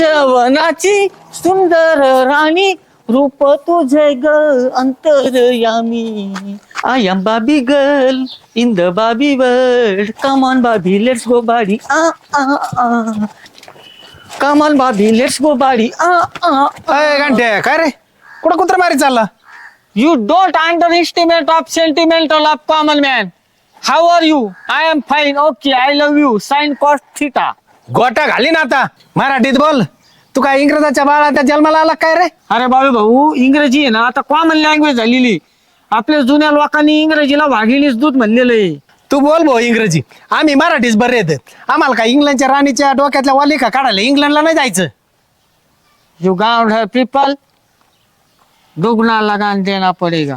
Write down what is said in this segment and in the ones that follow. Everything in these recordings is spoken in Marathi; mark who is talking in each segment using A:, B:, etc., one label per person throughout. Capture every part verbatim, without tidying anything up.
A: कुंजवनाची सुंदर राणी रूप तुझे ग अंतरयामी. आय एम बाबी गर्ल इन द बाबी वर्ल्ड. कम ऑन बाबी let's go body a a a. Come on बाबी लेट्स गो बाडी आ आ.
B: अय घंटे काय रे कुठं कुत्र मारी चालला.
A: You don't underestimate of sentimental of common man. How are you? I am fine. Okay, I love you. Sin cos theta.
B: गोटा घाली ना आता मराठीत बोल. तू काय इंग्रजाच्या बाळाच्या जन्माला आला काय रे.
A: अरे बाबा भाऊ इंग्रजी आहे ना आता कॉमन लँग्वेज झालेली. आपल्या जुन्या लोकांनी इंग्रजीला वाघिणीच दूध म्हणलेलं आहे.
B: तू बोल भाऊ इंग्रजी. आम्ही मराठीच बरे येत. आम्हाला काय इंग्लंडच्या राणीच्या डोक्यातल्या वालिका काढायला इंग्लंडला नाही जायचं.
A: You got her people. दुगना लगान देना पडेगा.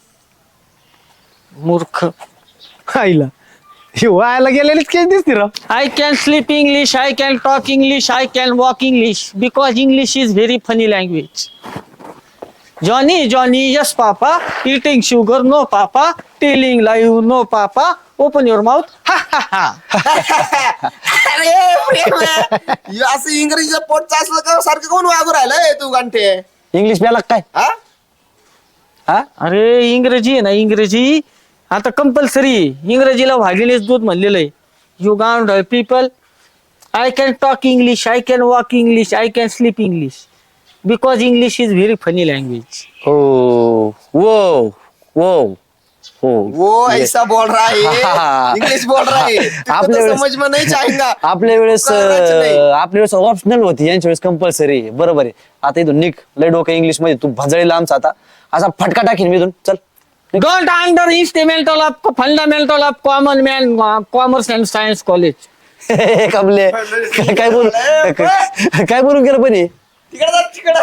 A: मूर्ख.
B: आईला हे व्हायला गेलेलीच केस दिसते राव.
A: I can sleep English, I can talk English, I can walk English because English is very funny language. Johnny, Johnny, yes papa. Eating sugar, no papa. Telling lie, no papa. Open your mouth. Ha ha ha.
C: अरे प्रेम आहे. असं इंग्रजीचं पोटचं असलं का सारखं कोण वागू राहिलंय तू घंटे.
B: इंग्लिश प्याला काय
C: हा
B: हा
A: अरे इंग्रजी आहे ना इंग्रजी आता कंपल्सरी इंग्रजीला वाघिणीच दूध म्हणलेलं आहे. You ground people I can talk English I can walk English I can sleep English because English is very funny language.
D: ओ वो वो हो
C: वो ऐसा बोल रहा है इंग्लिश बोल रहा है तुझको
D: आपल्या
C: तो
D: वेळेस-
C: समझ में नहीं आएगा.
D: आपल्या वेळेस
C: कळलंच नाही.
D: अं, आपल्या वेळेस ऑप्शनल होती यांच्या वेळेस कंपल्सरी. बरोबर आहे. आता इथून निघ लय डोकं इंग्लिश मध्ये. तू भजळीला आमचा आता असा फटका टाकीन मी इथून. चल
A: don't under instrumental of fundamental of common man commerce and science college.
D: कमले काय काय बोलू काय बोलून गेलं पण हे?
C: तिकडे जा तिकडे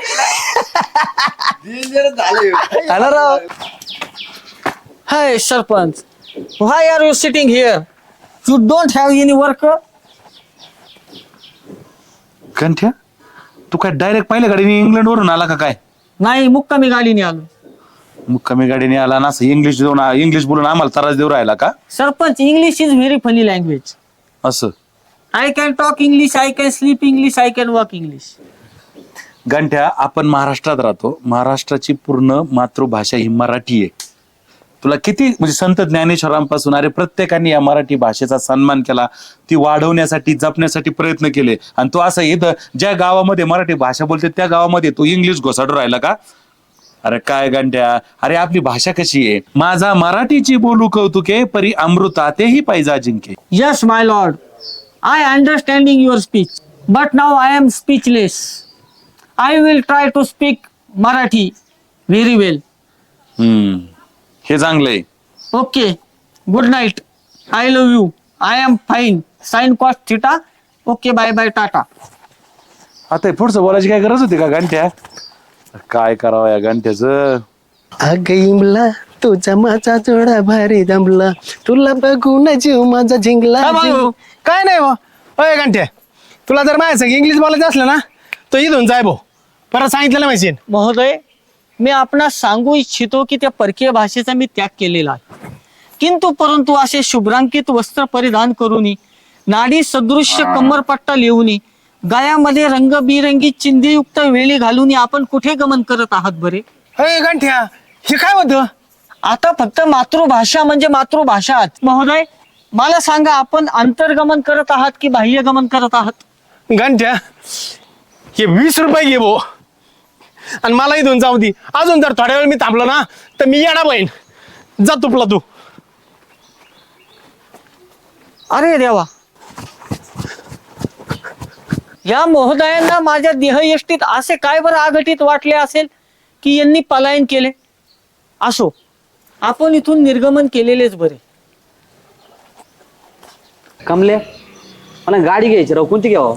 C: Danger झालं.
D: हा ना राव.
A: Hi sarpanch why are you sitting here you don't have any work.
E: कंठ्या तू काय डायरेक्ट पहिल्या गाडीने इंग्लंड वरून आला का काय.
A: नाही मुक्कामी गाडीने आलो.
E: मग कमी गाडीने आला ना असं इंग्लिश देऊन इंग्लिश बोलून आम्हाला त्रास देऊ राहिला का.
A: Sarpanch English is very funny language.
E: असं
A: I can talk English I can sleep English I can walk English.
E: गंठ्या आपण महाराष्ट्रात राहतो. महाराष्ट्राची पूर्ण मातृभाषा ही मराठी आहे. तुला किती म्हणजे संत ज्ञानेश्वरांपासून अरे प्रत्येकाने या मराठी भाषेचा सन्मान केला. ती वाढवण्यासाठी जपण्यासाठी प्रयत्न केले. आणि तू असं इथं ज्या गावामध्ये मराठी भाषा बोलते त्या गावामध्ये तू इंग्लिश घोसाडून राहिला का. अरे काय गंठ्या अरे आपली भाषा कशी आहे. माझा मराठीची बोलू कौतुके परी अमृता तेही पाहिजे अजिंक्य.
A: Yes, my lord. I understanding your speech, but now I am speechless. I will try to speak Marathi very well.
E: हम्म हे चांगलंय.
A: Okay. Good night. I love you. I am fine. Sin cos theta. Okay. Bye bye. Tata.
E: आता हे पुढचं बोलायची काय गरज होती का गंठ्या. काय करावं या गंठ्याचं.
B: अग इमला तुझा माझा जोडा भारी जमला तुला बघून जीव माझा जिंकला.
A: काय भाऊ?
B: काय नाही भाऊ. अय घंटे तुला जर माझ्या संग इंग्लिश बोलायचं असलं ना तो इथून जाय भाऊ. परत सांगितलं ना माहिती.
A: महोदय मी आपणास सांगू इच्छितो की त्या परकीय भाषेचा मी त्याग केलेला आहे. किंतु परंतु असे शुभ्रांकित वस्त्र परिधान करूनी नाडी सदृश्य कमरपट्टा लिहूनी गायामध्ये रंगबिरंगी चिंधीयुक्त वेळी घालून आपण कुठे गमन करत आहात बरे.
B: अय घंट्या हे काय होतं.
A: आता फक्त मातृभाषा म्हणजे मातृभाषा. महोदय मला सांगा आपण अंतर्गमन करत आहात की बाह्यगमन करत आहात.
B: घंट्या हे वीस रुपये घे भाऊ आणि मला इथून जाऊ दे. अजून जर थोड्या वेळ मी थांबलो ना तर मी येणार बहीण. जा तुपला तू.
A: अरे देवा या महोदयांना माझ्या देहयष्टीत असे काय बरं आघटित वाटले असेल की यांनी पलायन केले. असो आपण इथून निर्गमन केलेलेच बरे.
D: कमले मला गाडी घ्यायची राव. कोणती घ्यावं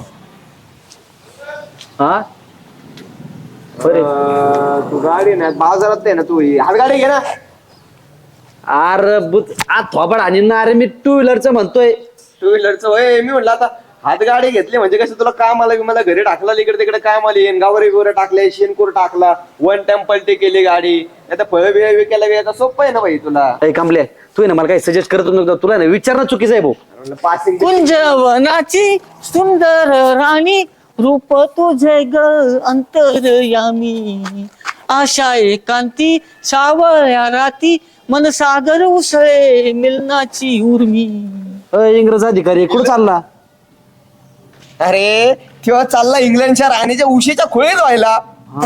D: हा बरे.
C: तू गाडी ना बाजारात आहे ना तू हात गाडी घे ना.
D: अरे बुत आज थोबड आणि ना अरे मी टू व्हीलरचं म्हणतोय.
C: टू व्हीलरचं होय मी म्हणलं आता हात गाडी घेतली म्हणजे कसं तुला काम आलं मला घरी टाकला इकडे तिकडे काम आली गावरे बिवरे टाकले शेनकूर टाकला वन टेम्पल टे केली गाडी. आता फळ बिळ विकायला वेळ सोपं आहे ना भाई तुला.
D: अरे कमले तू आहे ना मला काही सजेस्ट करत नव्हतं. तुला ना विचारणं चुकीचं आहे भाऊ.
C: पासिंग
A: कुंजवनाची सुंदर राणी रूप तुझे ग अंतरयामी, आशा एकांती सावळ्या राती, मन सागर उसळे मिलनाची उर्मी.
D: अय, इंग्रज अधिकारी कुठं चालला?
C: अरे तेव्हा चालला इंग्लंडच्या राणीच्या उशीच्या खोळीत व्हायला.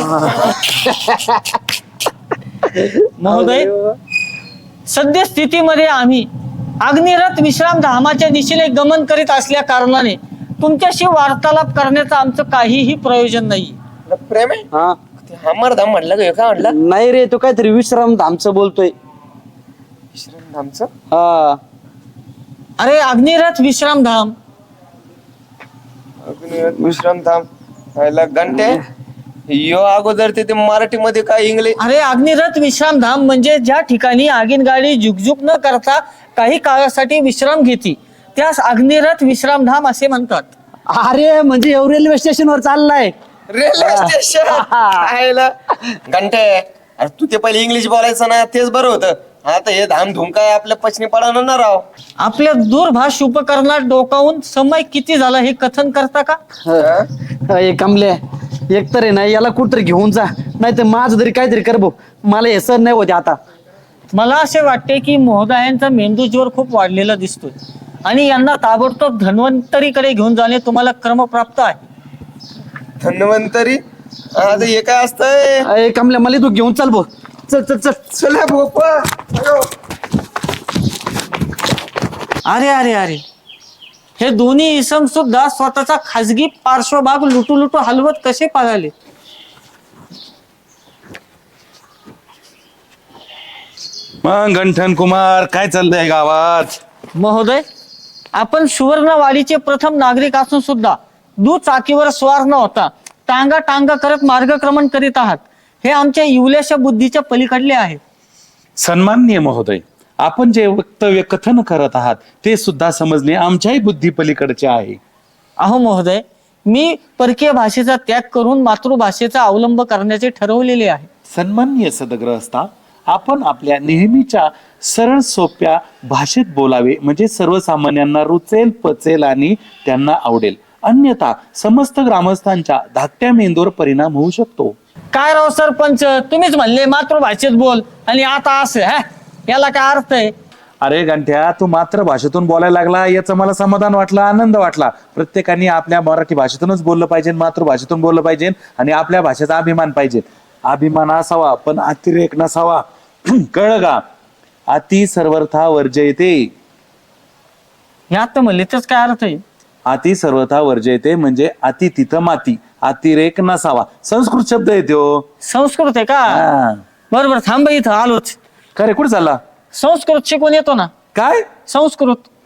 A: महोदय, सद्य स्थितीमध्ये आम्ही अग्निरथ विश्राम धामाच्या दिशेने गमन करीत असल्या कारणाने तुमच्याशी वार्तालाप करण्याचं आमचं काहीही प्रयोजन नाही.
C: प्रेम आहे
D: हा
C: ते हमरधाम म्हटलं का ह्यो काय म्हटलं?
D: नाही रे, तो काहीतरी विश्राम धामचं बोलतोय.
C: विश्रामधामचं?
D: हा
A: अरे अग्निरथ विश्राम धाम.
C: अग्निरथ विश्रामधाम व्हायला घंटे यो अगोदर ते ते मराठीमध्ये काय इंग्लिश.
A: अरे अग्निरथ विश्राम धाम म्हणजे ज्या ठिकाणी आगीन गाडी झुकझुक न करता काही काळासाठी विश्राम घेते त्यास अग्निरथ विश्राम धाम असे म्हणतात.
D: अरे म्हणजे एव रेल्वे स्टेशनवर चाललाय.
C: रेल्वे स्टेशन घंटे. अरे तू ते पहिले इंग्लिश बोलायचं ना, तेच बरं होतं. आता हे धाम धूम काय आपल्या पचनी पडणार ना राव.
A: आपल्या दूरभाष उपकरणात डोकावून समय किती झाला हे कथन करता का?
D: अय कमले, एक तर आहे ना याला कुठतरी घेऊन जा, नाही तर माझं तरी काहीतरी कर भाऊ. मला हे सण नाही होते आता.
A: मला असे वाटते की महोदयांचा मेंदू जोर खूप वाढलेला दिसतोय आणि यांना ताबडतोब धन्वंतरीकडे घेऊन जाणे तुम्हाला क्रमप्राप्त आहे.
C: धन्वंतरी? आता हे काय असतंय?
D: अय कमले, मला तू घेऊन चाल भाऊ. चल चल चल.
C: चला भोपा. अयो.
A: अरे अरे अरे, हे दोन्ही इसम सुद्धा स्वतःचा खाजगी पार्श्वभाग लुटू लुटू हलवत कसे पळाले?
E: मग गंठन कुमार, काय चाललंय गावात?
A: महोदय, आपण सुवर्णवाडीचे प्रथम नागरिक असून सुद्धा दुचाकीवर स्वार न होता टांगा टांगा करत मार्गक्रमण करीत आहात हे आमच्या इवल्याशा बुद्धीच्या पलीकडले आहे.
E: सन्माननीय महोदय, आपण जे वक्तव्य कथन करत आहात ते सुद्धा समजणे आमच्याही बुद्धी पलीकडचे आहे.
A: अहो महोदय, मी परकीय भाषेचा त्याग करून मातृभाषेचा अवलंब करण्याचे ठरवलेले आहे.
E: सन्माननीय सदग्रहस्था, आपण आपल्या नेहमीच्या सरळ सोप्या भाषेत बोलावे म्हणजे सर्वसामान्यांना रुचेल, पचेल आणि त्यांना आवडेल. अन्यथा समस्त ग्रामस्थांच्या धाकट्या मेंदूवर परिणाम होऊ शकतो.
A: काय राव सरपंच, तुम्हीच म्हणले मातृभाषेत बोल आणि आता असं हा याला काय अर्थ आहे?
E: अरे गंठ्या, तू मातृभाषेतून बोलायला लागला याचं मला समाधान वाटलं, आनंद वाटला. प्रत्येकाने आपल्या मराठी भाषेतूनच बोललं पाहिजे, मातृभाषेतून बोललं पाहिजे आणि आपल्या भाषेचा अभिमान पाहिजे. अभिमान असावा पण अतिरेक नसावा. कळलं का? अति सर्वथा वर्जयते.
A: यात म्हणले तेच काय अर्थ आहे?
E: अति सर्वथा वर्जयते म्हणजे अति तिथं माती, अतिरेक नसावा. संस्कृत शब्द आहे तो.
A: संस्कृत आहे का?
E: हा.
A: बरोबर, थांब इथं आलोच.
E: खरे कुठे चालला?
A: संस्कृत शिकून येतो ना.
E: काय?
A: संस्कृत